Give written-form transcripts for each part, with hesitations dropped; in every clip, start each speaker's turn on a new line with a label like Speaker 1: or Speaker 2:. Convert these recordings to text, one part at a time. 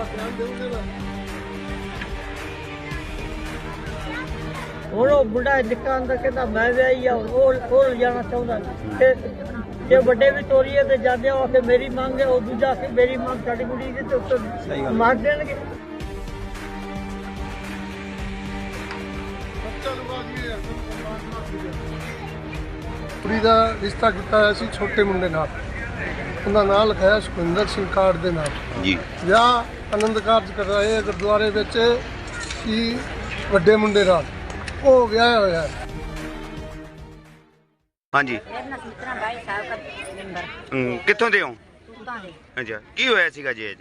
Speaker 1: ਹੁਣ ਉਹ ਬੁੱਢਾ ਨਿੱਕਾ ਅੰਦਰ ਕਹਿੰਦਾ ਮੈਂ ਵਿਆਹੀ ਆ, ਉਹ ਜਾਣਾ ਚਾਹੁੰਦਾ ਤੇ ਜੇ ਵੱਡੇ ਵੀ ਤੋਰੀਏ ਤੇ ਜਾਂਦੇ ਆ ਕਿ ਮੇਰੀ ਮੰਗ ਹੈ, ਉਹ ਦੂਜਾ ਕਿ ਮੇਰੀ ਮੰਗ ਸਾਡੀ ਕੁੜੀ ਦੀ ਤੇ ਉੱਤੇ ਮਾਰ ਦੇਣਗੇ।
Speaker 2: ਕੁੜੀ ਦਾ ਰਿਸ਼ਤਾ ਕੀਤਾ ਹੋਇਆ ਸੀ ਛੋਟੇ ਮੁੰਡੇ ਨਾਲ, ਉਹਦਾ ਨਾਂ ਲਿਖਾਇਆ ਸੁਖਿੰਦਰ ਸਿੰਘ ਕਾਰਡ ਦੇ ਨਾਲ ਜੀ। ਵਿਆਹ ਆਨੰਦ ਕਾਰਜ ਕਰਵਾਏ ਗੁਰਦੁਆਰੇ ਵਿੱਚ ਸੀ ਵੱਡੇ ਮੁੰਡੇ ਨਾਲ, ਉਹ ਵਿਆਹ ਹੋਇਆ।
Speaker 3: ਹਾਂਜੀ ਕਿੱਥੋਂ ਦੇ ਹੋ? ਅੱਛਾ, ਕੀ ਹੋਇਆ ਸੀਗਾ ਜੀ ਅੱਜ?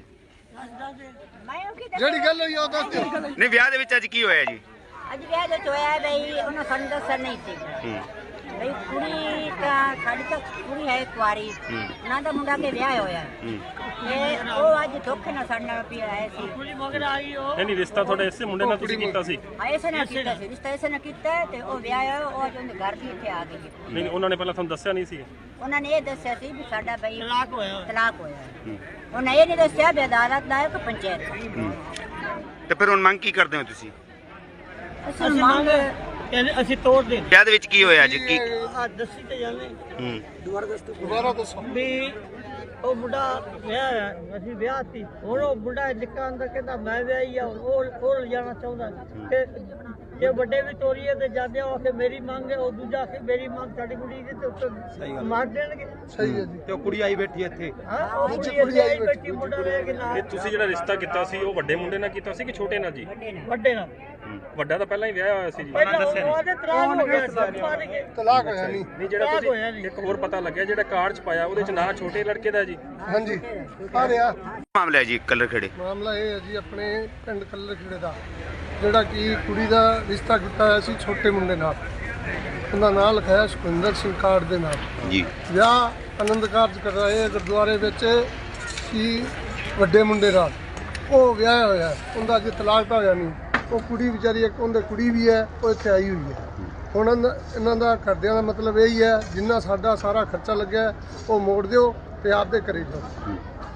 Speaker 2: ਜਿਹੜੀ ਗੱਲ ਹੋਈ ਉਹ ਦੱਸ।
Speaker 3: ਨਹੀਂ, ਵਿਆਹ ਦੇ ਵਿੱਚ ਅੱਜ ਕੀ ਹੋਇਆ ਜੀ?
Speaker 4: ਅੱਜ ਵਿਆਹ ਦੇ ਹੋਇਆ ਬਈ ਉਹਨਾਂ ਸਾਨੂੰ ਦੱਸਿਆ ਨਹੀਂ ਸੀ ਬਈ ਕੁੜੀ ਤਾਂ ਸਾਡੀ ਤਾਂ ਕੁੜੀ ਹੈ ਕੁਆਰੀ, ਉਹਨਾਂ ਦਾ ਮੁੰਡਾ ਕੇ ਵਿਆਹ ਹੋਇਆ ਤੇ ਉਹ ਅੱਜ ਧੋਖੇ ਨਾਲ ਸਾਡੇ ਨਾਲ ਪਿਆ ਆਏ ਸੀ।
Speaker 1: ਕੁੜੀ ਮਗਰ ਆਈ ਉਹ
Speaker 5: ਨਹੀਂ, ਰਿਸ਼ਤਾ ਤੁਹਾਡਾ ਇਸੇ ਮੁੰਡੇ ਨਾਲ ਤੁਸੀਂ ਕੀਤਾ ਸੀ?
Speaker 4: ਐਸੇ ਨਾਲ ਕੀਤਾ ਸੀ, ਰਿਸ਼ਤਾ ਐਸੇ ਨਾਲ ਕੀਤਾ ਤੇ ਉਹ ਵਿਆਹ ਹੋਇਆ, ਉਹ ਅੱਜ ਉਹਦੇ ਘਰ ਵੀ ਇੱਥੇ ਆ ਗਈ।
Speaker 5: ਨਹੀਂ, ਉਹਨਾਂ ਨੇ ਪਹਿਲਾਂ ਤੁਹਾਨੂੰ ਦੱਸਿਆ ਨਹੀਂ ਸੀ?
Speaker 4: ਉਹਨਾਂ ਨੇ ਇਹ ਦੱਸਿਆ ਸੀ ਵੀ ਸਾਡਾ ਬਈ
Speaker 1: ਤਲਾਕ ਹੋਇਆ।
Speaker 4: ਤਲਾਕ ਹੋਇਆ। ਉਹਨਾਂ ਇਹ ਨਹੀਂ ਦੱਸਿਆ ਵੀ ਅਦਾਲਤ ਦਾ ਹੈ ਕਿ ਪੰਚਾਇਤ ਦਾ।
Speaker 3: ਤੇ ਫਿਰ ਹੁਣ ਮੰਗ ਕੀ ਕਰਦੇ ਹੋ ਤੁਸੀਂ?
Speaker 4: ਅਸੀਂ ਮੰਗ
Speaker 1: ਅਸੀਂ ਤੋੜ ਦੇ।
Speaker 3: ਵਿਆਹ ਦੇ ਵਿੱਚ ਕੀ ਹੋਇਆ ਜੀ? ਕੀ
Speaker 1: ਦੱਸੀ ਤੇ ਜਾਂਦੇ
Speaker 2: ਦੁਬਾਰਾ ਦੱਸੋ
Speaker 1: ਵੀ ਉਹ ਮੁੰਡਾ ਵਿਆਹ ਹੈ, ਅਸੀਂ ਵਿਆਹ ਸੀ। ਹੁਣ ਉਹ ਮੁੰਡਾ ਨਿੱਕਾ ਅੰਦਰ ਕਹਿੰਦਾ ਮੈਂ ਵਿਆਹੀ ਆ, ਉਹ ਜਾਣਾ ਚਾਹੁੰਦਾ ਤੇ ਜੇ ਵੱਡੇ ਵੀ ਤੋਰੀਏ ਤੇ ਜਾਂਦੇ ਆ ਕਿ ਮੇਰੀ ਮੰਗ ਹੈ, ਉਹ ਦੂਜਾ ਕਿ ਮੇਰੀ ਮੰਗ ਸਾਡੀ ਕੁੜੀ ਦੀ ਤੇ ਉੱਤੇ ਮਾਰ ਦੇਣਗੇ।
Speaker 2: ਸਹੀ ਹੈ ਜੀ।
Speaker 6: ਤੇ ਉਹ ਕੁੜੀ ਆਈ ਬੈਠੀ ਇੱਥੇ।
Speaker 1: ਹਾਂ, ਉਹ ਕੁੜੀ ਆਈ ਬੈਠੀ, ਮੁੰਡਾ ਲੈ ਕੇ ਨਾਲ।
Speaker 5: ਇਹ ਤੁਸੀਂ ਜਿਹੜਾ ਰਿਸ਼ਤਾ ਕੀਤਾ ਸੀ ਉਹ ਵੱਡੇ ਮੁੰਡੇ ਨਾਲ ਕੀਤਾ ਸੀ ਕਿ ਛੋਟੇ ਨਾਲ ਜੀ?
Speaker 1: ਵੱਡੇ ਨਾਲ।
Speaker 5: ਵੱਡਾ ਤਾਂ ਪਹਿਲਾਂ ਹੀ ਵਿਆਹ ਹੋਇਆ ਸੀ ਜੀ।
Speaker 1: ਪਹਿਲਾਂ ਉਹਦੇ ਤਲਾਕ ਹੋ ਗਿਆ ਸੀ, ਮਾਰ ਕੇ।
Speaker 2: ਤਲਾਕ ਹੋਇਆ ਨਹੀਂ।
Speaker 5: ਨਹੀਂ, ਜਿਹੜਾ ਤੁਸੀਂ ਇੱਕ ਹੋਰ ਪਤਾ ਲੱਗਿਆ ਜਿਹੜਾ ਕਾਰਡ 'ਚ ਪਾਇਆ ਉਹਦੇ 'ਚ ਨਾਂ ਛੋਟੇ ਲੜਕੇ ਦਾ ਜੀ?
Speaker 2: ਹਾਂਜੀ ਆ ਰਿਹਾ
Speaker 3: ਮਾਮਲਾ ਹੈ ਜੀ ਕੱਲਰ ਖੇੜੇ?
Speaker 2: ਮਾਮਲਾ ਇਹ ਹੈ ਜੀ ਆਪਣੇ ਪਿੰਡ ਕੱਲਰ ਖੇੜੇ ਦਾ, ਜਿਹੜਾ ਕਿ ਕੁੜੀ ਦਾ ਰਿਸ਼ਤਾ ਕੀਤਾ ਹੋਇਆ ਸੀ ਛੋਟੇ ਮੁੰਡੇ ਨਾਲ, ਉਹਦਾ ਨਾਂ ਲਿਖਾਇਆ ਸੁਖਿੰਦਰ ਸਿੰਘ ਕਾਰਡ ਦੇ ਨਾਲ
Speaker 3: ਜੀ।
Speaker 2: ਵਿਆਹ ਆਨੰਦ ਕਾਰਜ ਕਰਵਾਏ ਗੁਰਦੁਆਰੇ ਵਿੱਚ ਸੀ ਵੱਡੇ ਮੁੰਡੇ ਨਾਲ, ਉਹ ਵਿਆਹ ਹੋਇਆ। ਉਹਦਾ ਅੱਜ ਤਲਾਕ ਤਾਂ ਹੋਇਆ ਨਹੀਂ। ਉਹ ਕੁੜੀ ਵਿਚਾਰੀ ਇੱਕ ਉਹਦੇ ਕੁੜੀ ਵੀ ਹੈ, ਉਹ ਇੱਥੇ ਆਈ ਹੋਈ ਹੈ। ਹੁਣ ਇਹਨਾਂ ਦਾ ਘਰਦਿਆਂ ਦਾ ਮਤਲਬ ਇਹੀ ਹੈ ਜਿੰਨਾ ਸਾਡਾ ਸਾਰਾ ਖਰਚਾ ਲੱਗਿਆ ਉਹ ਮੋੜ ਦਿਓ ਤੇ ਆਪਦੇ ਘਰੇ ਜਾਓ।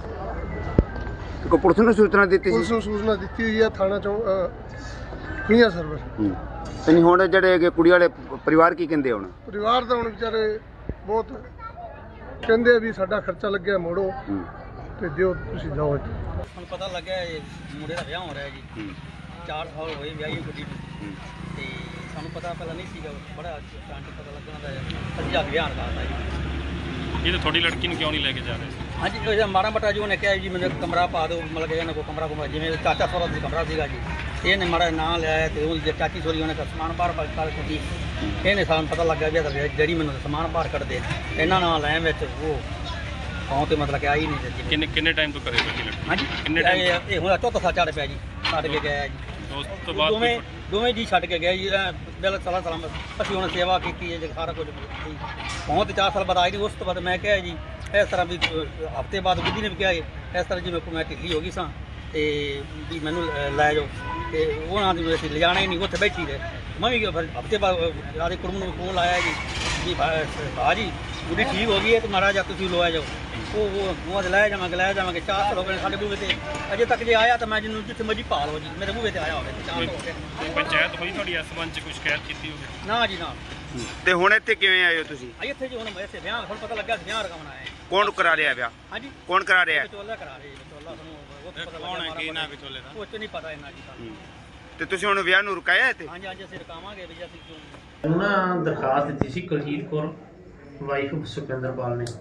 Speaker 3: ਕੋ ਪੁਲਿਸ ਨੂੰ ਸੂਚਨਾ ਦਿੱਤੀ
Speaker 2: ਪੁਲਿਸ
Speaker 3: ਸੀ?
Speaker 2: ਨੂੰ ਸੂਚਨਾ ਦਿੱਤੀ ਹੋਈ ਹੈ, ਥਾਣਾ ਚੋਂ ਖੁਈਆਂ ਸਰਵਰ।
Speaker 3: ਤੇ ਨਹੀਂ, ਹੁਣ ਜਿਹੜੇ ਕੁੜੀ ਵਾਲੇ ਪਰਿਵਾਰ ਕੀ ਕਹਿੰਦੇ ਹੁਣ?
Speaker 2: ਪਰਿਵਾਰ ਤਾਂ ਹੁਣ ਵਿਚਾਰੇ ਬਹੁਤ ਕਹਿੰਦੇ ਵੀ ਸਾਡਾ ਖਰਚਾ ਲੱਗਿਆ ਮੋੜੋ ਤੇ ਦਿਓ, ਤੁਸੀਂ ਜਾਓ।
Speaker 6: ਹੁਣ ਪਤਾ ਲੱਗਿਆ ਇਹ ਮੁੰਡੇ ਦਾ ਵਿਆਹ ਹੋ ਰਿਹਾ ਜੀ। 4 ਸਾਲ ਹੋਏ ਵਿਆਹੀ ਕੁੜੀ ਨੂੰ ਤੇ ਸਾਨੂੰ ਪਤਾ ਪਹਿਲਾਂ ਨਹੀਂ ਸੀਗਾ, ਬੜਾ ਅਚਾਨਕ ਪਤਾ ਲੱਗਣਾ ਦਾ ਅੱਜ ਆ ਵਿਆਹ ਕਰਦਾ ਜੀ।
Speaker 5: ਇਹ ਤਾਂ ਤੁਹਾਡੀ ਲੜਕੀ ਨੂੰ ਕਿਉਂ ਨਹੀਂ ਲੈ ਕੇ ਜਾ ਰਹੇ ਸੀ?
Speaker 6: ਹਾਂਜੀ, ਉਹ ਮਾੜਾ ਮੋਟਾ ਜੀ ਉਹਨੇ ਕਿਹਾ ਜੀ ਮੈਨੂੰ ਕਮਰਾ ਪਾ ਦਿਓ, ਮਤਲਬ ਕਿ ਇਹਨਾਂ ਕੋਲ ਕਮਰਾ ਜਿਵੇਂ ਚਾਚਾ ਸਹੁਰਾ ਦਾ ਕਮਰਾ ਸੀਗਾ ਜੀ। ਇਹਨੇ ਮਾੜਾ ਨਾਂ ਲਿਆ ਤੇ ਉਹ ਚਾਚੀ ਸੋਰੀ ਉਹਨੇ ਸਮਾਨ ਬਾਹਰ ਕਰ ਦਿੱਤੀ। ਇਹਨੇ ਸਾਨੂੰ ਪਤਾ ਲੱਗਾ ਵੀ ਜਿਹੜੀ ਮੈਨੂੰ ਸਮਾਨ ਬਾਹਰ ਕੱਢਦੇ ਇਹਨਾਂ ਨਾਲ ਲੈ ਵਿੱਚ ਉਹ ਪਾਉਂ ਤੇ ਮਤਲਬ ਕਿ ਆਈ ਨਹੀਂ।
Speaker 5: ਕਿੰਨੇ ਟਾਈਮ ਤੋਂ ਕਰੇ ਤੁਹਾਡੀ ਲੜਕੀ?
Speaker 6: ਹਾਂਜੀ,
Speaker 5: ਕਿੰਨੇ ਟਾਈਮ?
Speaker 6: ਇਹ ਹੁਣ ਚੌਥਾ ਸਾਲ ਚੜ੍ਹ ਪਿਆ ਜੀ, ਛੱਡ ਕੇ ਗਿਆ ਜੀ।
Speaker 5: ਉਸ ਤੋਂ ਬਾਅਦ
Speaker 6: ਦੋਵੇਂ ਜੀ ਛੱਡ ਕੇ ਗਏ ਜੀ। ਬਿਲ ਸਾਲਾਂ ਅਸੀਂ ਹੁਣ ਸੇਵਾ ਕੀਤੀ ਹੈ ਜੀ, ਸਾਰਾ ਕੁਝ ਹੁਣ ਤੇ 4 ਸਾਲ ਬਾਅਦ ਆਈ ਦੀ। ਉਸ ਤੋਂ ਬਾਅਦ ਮੈਂ ਕਿਹਾ ਜੀ ਇਸ ਤਰ੍ਹਾਂ ਵੀ ਹਫ਼ਤੇ ਬਾਅਦ ਬੁੱਧੀ ਨੇ ਵੀ ਕਿਹਾ ਇਸ ਤਰ੍ਹਾਂ ਜਿਵੇਂ ਮੈਂ ਢਿੱਲੀ ਹੋ ਗਈ ਸਾਂ ਤੇ ਵੀ ਮੈਨੂੰ ਲੈ ਜਾਓ ਤੇ ਉਹਨਾਂ ਦੀ ਅਸੀਂ ਲਿਜਾਣਾ ਹੀ ਨਹੀਂ, ਉੱਥੇ ਬੈਠੀ ਰਹੇ। ਮੈਂ ਵੀ ਹਫ਼ਤੇ ਬਾਅਦ ਆਦੇ ਕੁੜਮ ਨੂੰ ਫੋਨ ਲਾਇਆ ਜੀ ਵੀ ਭਾਜੀ ਬੁੱਢੀ ਠੀਕ ਹੋ ਗਈ ਹੈ ਤੇ ਮਾੜਾ ਜਿਹਾ ਤੁਸੀਂ ਲਵਾਇਆ ਜਾਓ। ਉਹ ਲੈ ਜਾਵਾਂਗੇ 4 ਸਾਲ ਹੋ ਗਏ ਸਾਡੇ ਬੂਹੇ ਤੇ, ਅਜੇ ਤੱਕ ਜੇ ਆਇਆ ਤਾਂ ਮੈਂ ਜਿਹਨੂੰ ਜਿੱਥੇ ਮਰਜੀ ਭਾਲ ਹੋ ਜੀ ਮੇਰੇ ਬੂਹੇ ਤੇ ਆਇਆ ਹੋਵੇ। 4 ਸਾਲ ਹੋ ਗਏ।
Speaker 5: ਪੰਚਾਇਤ ਹੋਈ ਤੁਹਾਡੀ ਇਸ ਸੰਬੰਧ 'ਚ ਕੋਈ ਸ਼ਿਕਾਇਤ ਕੀਤੀ ਹੋਵੇ?
Speaker 6: ਨਾ ਜੀ ਨਾ।
Speaker 3: ਤੇ ਹੁਣ ਇੱਥੇ ਕਿਵੇਂ ਆਏ ਹੋ ਤੁਸੀਂ?
Speaker 6: ਇੱਥੇ ਜੀ ਹੁਣ ਇੱਥੇ ਵਿਆਹ ਹੁਣ ਪਤਾ ਲੱਗਾ ਵਿਆਹ ਰਕਮਣਾ ਹੈ।
Speaker 3: ਕੌਣ ਕਰਾ ਰਿਹਾ ਵਿਆਹ?
Speaker 6: ਹਾਂਜੀ,
Speaker 3: ਕੌਣ ਕਰਾ ਰਿਹਾ?
Speaker 6: ਵਿਚੋਲਾ ਕਰਾ ਰਹੇ ਵਿਚੋਲਾ। ਸਾਨੂੰ ਉਹ ਪਤਾ ਲੱਗਾ ਕੌਣ ਹੈ ਕੀ ਨਾ ਵਿਚੋਲੇ ਦਾ, ਉਹ ਨਹੀਂ ਪਤਾ ਇਹਨਾਂ ਜੀ ਸਾਨੂੰ।
Speaker 3: ਤੇ ਤੁਸੀਂ ਹੁਣ ਵਿਆਹ ਨੂੰ ਰੁਕਾਇਆ ਇੱਥੇ?
Speaker 6: ਹਾਂਜੀ ਹਾਂਜੀ, ਅਸੀਂ ਰਕਾਵਾਂਗੇ ਵੀ ਅਸੀਂ ਕਿਉਂ।
Speaker 7: ਉਹਨਾਂ ਦਰਖਾਸਤ ਦਿੱਤੀ ਸੀ ਕੁਲਜੀਤ ਕੌਰ ਵਾਈਫ ਸੁਖਿੰਦਰਪਾਲ ਨੇ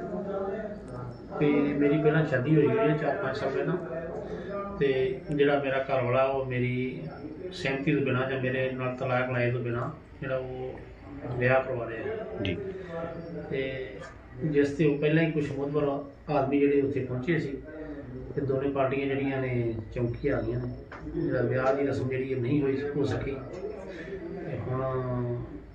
Speaker 7: ਤੇ ਮੇਰੀ ਪਹਿਲਾਂ ਸ਼ਾਦੀ ਹੋਈ ਹੈ 4-5 ਸਾਲ ਪਹਿਲਾਂ। ਤੇ ਜਿਹੜਾ ਮੇਰਾ ਘਰ ਵਾਲਾ ਉਹ ਮੇਰੀ ਸਹਿਮਤੀ ਤੋਂ ਬਿਨਾਂ ਜਾਂ ਮੇਰੇ ਨਾਲ ਤਲਾਕ ਲਾਏ ਤੋਂ ਬਿਨਾਂ ਜਿਹੜਾ ਉਹ ਵਿਆਹ ਕਰਵਾ ਰਿਹਾ ਜੀ। ਤੇ ਜਿਸ ਤੇ ਉਹ ਪਹਿਲਾਂ ਹੀ ਕੁਛ ਮੁੱਦਬਰ ਆਦਮੀ ਜਿਹੜੇ ਉੱਥੇ ਪਹੁੰਚੇ ਸੀ ਤੇ ਦੋਨੇ ਪਾਰਟੀਆਂ ਜਿਹੜੀਆਂ ਨੇ ਚੌਂਕੀ ਆ ਗਈਆਂ ਨੇ। ਜਿਹੜਾ ਵਿਆਹ ਦੀ ਰਸਮ ਜਿਹੜੀ ਨਹੀਂ ਹੋ ਸਕੀ ਤੇ ਹੁਣ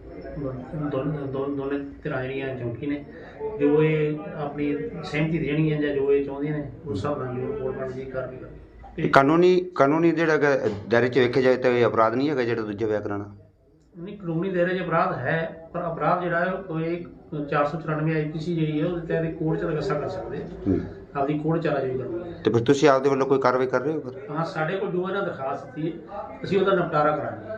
Speaker 7: ਦੋਨੇ ਧਿਰਾਂ ਜਿਹੜੀਆਂ ਚੌਂਕੀ ਨੇ ਜੋ ਇਹ ਆਪਣੀ ਸਹਿਮਤੀ ਦੇਣਗੀਆਂ ਜਾਂ ਜੋ ਇਹ ਚਾਹੁੰਦੀਆਂ ਨੇ ਉਸ ਹਿਸਾਬ ਨਾਲ ਜੋ ਗੌਰਮੈਂਟ ਦੀ ਕਾਰਵਾਈ
Speaker 3: ਕਾਨੂੰਨੀ ਜਿਹੜਾ ਦਾਇਰੇ 'ਚ ਵੇਖਿਆ ਜਾਏ ਤਾਂ ਇਹ ਅਪਰਾਧ ਨਹੀਂ ਹੈਗਾ ਜਿਹੜਾ ਦੂਜਾ ਵਿਆਹ ਕਰਾਉਣਾ?
Speaker 7: ਨਹੀਂ ਕਾਨੂੰਨੀ ਦਾਇਰੇ 'ਚ ਅਪਰਾਧ ਹੈ, ਪਰ ਅਪਰਾਧ ਜਿਹੜਾ ਹੈ ਉਹ ਇਹ 494 ਆਈਪੀਸੀ ਜਿਹੜੀ ਹੈ ਉਹਦੇ ਤਹਿਤ ਕੋਰਟ 'ਚ ਰਗਸਾ ਕਰ ਸਕਦੇ ਆਪਦੀ ਕੋਰਟ ਚਾਰਾਜੋਈ ਕਰਨੀ ਹੈ।
Speaker 3: ਤੇ ਫਿਰ ਤੁਸੀਂ ਆਪਦੇ ਵੱਲੋਂ ਕੋਈ ਕਾਰਵਾਈ ਕਰ ਰਹੇ ਹੋ ਫਿਰ?
Speaker 7: ਹਾਂ, ਸਾਡੇ ਕੋਲ ਜੋ ਇਹਨਾਂ ਦਰਖਾਸਤ ਦਿੱਤੀ ਹੈ ਅਸੀਂ ਉਹਦਾ ਨਿਪਟਾਰਾ ਕਰਾਂਗੇ।